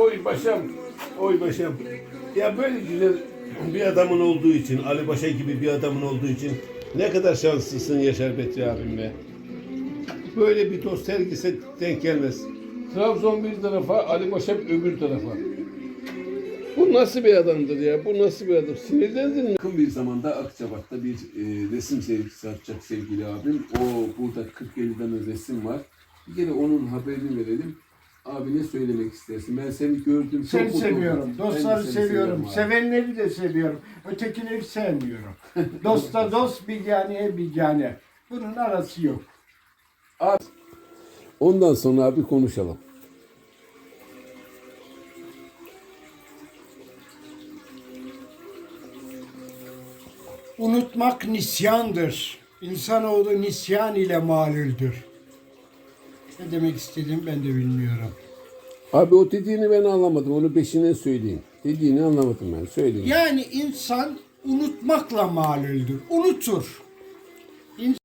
Oy başım, oy başım. Ya böyle güzel bir adamın olduğu için, Ali Paşa gibi bir adamın olduğu için ne kadar şanslısın Yaşar Bedri abim be. Böyle bir dost herkese denk gelmez. Trabzon bir tarafa, Ali Paşa öbür tarafa. Bu nasıl bir adamdır ya? Bu nasıl bir adam? Sinirlendin mi? Yakın bir zamanda Akçabat'ta bir resim sergisi açacak sevgili abim. O burada 40-50 tane resim var. Bir kere onun haberini verelim. Abi ne söylemek istersin? Ben seni gördüm. Seni mutlu seviyorum. oldum. Dostları Ben de seni seviyorum. abi. Sevenleri de seviyorum. Ötekileri sevmiyorum. Dosta dost, bilganeye bilgane. Bunun arası yok. Ondan sonra abi konuşalım. Unutmak nisyandır. İnsanoğlu nisyan ile malüldür. Ne demek istediğimi ben de bilmiyorum. Abi o dediğini ben anlamadım. Onu peşinden söyleyeyim. Dediğini anlamadım ben. Söyleyeyim. Yani insan unutmakla malüldür. Unutur.